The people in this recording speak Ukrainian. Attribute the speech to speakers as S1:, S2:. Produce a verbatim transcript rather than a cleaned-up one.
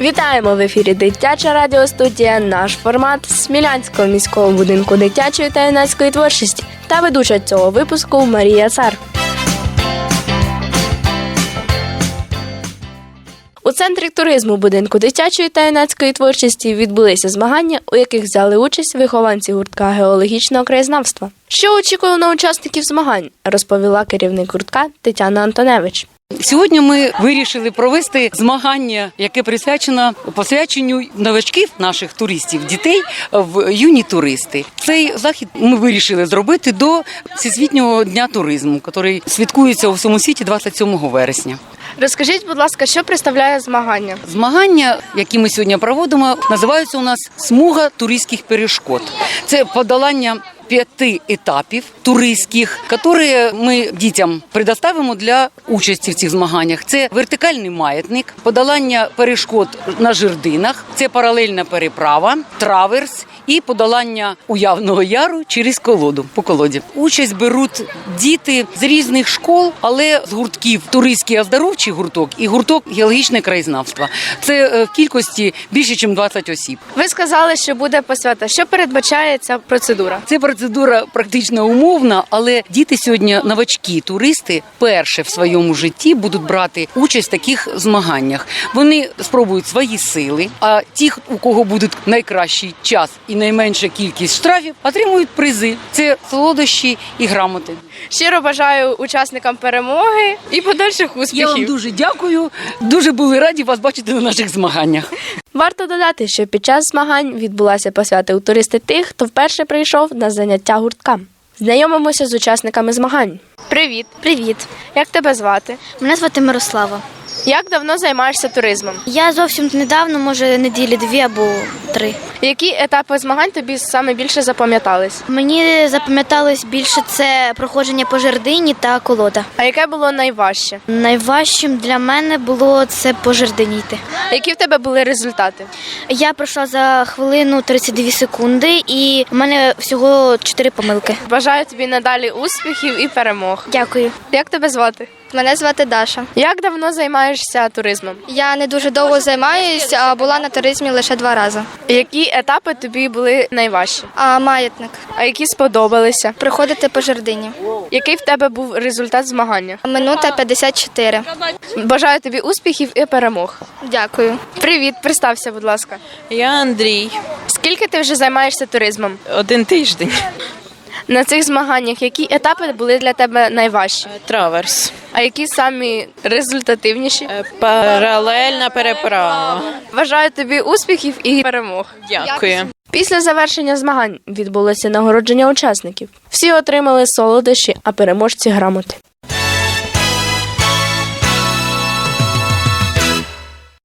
S1: Вітаємо в ефірі Дитяча радіостудія. Наш формат з Смілянського міського будинку дитячої та юнацької творчості та ведуча цього випуску Марія Цар. У центрі туризму будинку дитячої та юнацької творчості відбулися змагання, у яких взяли участь вихованці гуртка геологічного краєзнавства. Що очікувало на учасників змагань, розповіла керівник гуртка Тетяна Антоневич.
S2: Сьогодні ми вирішили провести змагання, яке присвячено посвяченню новачків наших туристів, дітей в юні туристи. Цей захід ми вирішили зробити до Всесвітнього дня туризму, який святкується у всьому світі двадцять сьомого вересня.
S1: Розкажіть, будь ласка, що представляє змагання?
S2: Змагання, які ми сьогодні проводимо, називаються у нас «Смуга туристських перешкод». Це подолання п'яти етапів туристських, які ми дітям предоставимо для участі в цих змаганнях. Це вертикальний маятник, подолання перешкод на жердинах, це паралельна переправа, траверс і подолання уявного яру через колоду, по колоді. Участь беруть діти з різних школ, але з гуртків туристський оздоровчий гурток і гурток геологічне краєзнавство. Це в кількості більше, ніж двадцять осіб.
S1: Ви сказали, що буде посвята. Що передбачає ця процедура?
S2: Це процедура практично умовна, але діти сьогодні, новачки, туристи, перше в своєму житті будуть брати участь в таких змаганнях. Вони спробують свої сили, а ті, у кого буде найкращий час і найменша кількість штрафів, отримують призи. Це солодощі і грамоти.
S1: Щиро бажаю учасникам перемоги і подальших успіхів.
S2: Я вам дуже дякую. Дуже були раді вас бачити на наших змаганнях.
S1: Варто додати, що під час змагань відбулася посвята у туристи тих, хто вперше прийшов на заняття гуртка. Знайомимося з учасниками змагань. Привіт.
S3: Привіт.
S1: Як тебе звати?
S3: Мене звати Мирослава.
S1: Як давно займаєшся туризмом?
S3: Я зовсім недавно, може неділі дві або три.
S1: Які етапи змагань тобі саме більше запам'ятались?
S3: Мені запам'яталось більше це проходження по жердині та колода.
S1: А яке було найважче?
S3: Найважчим для мене було це по жердині йти.
S1: Які в тебе були результати?
S3: Я пройшла за хвилину тридцять дві секунди і в мене всього чотири помилки.
S1: Бажаю тобі надалі успіхів і перемог.
S3: Дякую.
S1: Як тебе звати?
S4: Мене звати Даша.
S1: Як давно займаєшся туризмом?
S4: Я не дуже довго займаюся, а була на туризмі лише два рази.
S1: Які етапи тобі були найважчі?
S4: А маятник.
S1: А які сподобалися?
S4: Приходити по жердині.
S1: Який в тебе був результат змагання?
S4: Минута п'ятдесят чотири.
S1: Бажаю тобі успіхів і перемог.
S4: Дякую.
S1: Привіт, представся, будь ласка.
S5: Я Андрій.
S1: Скільки ти вже займаєшся туризмом?
S5: Один тиждень.
S1: На цих змаганнях які етапи були для тебе найважчі?
S5: Траверс.
S1: А які самі результативніші?
S5: Паралельна переправа.
S1: Бажаю тобі успіхів і перемог.
S5: Дякую.
S1: Після завершення змагань відбулося нагородження учасників. Всі отримали солодощі, а переможці – грамоти.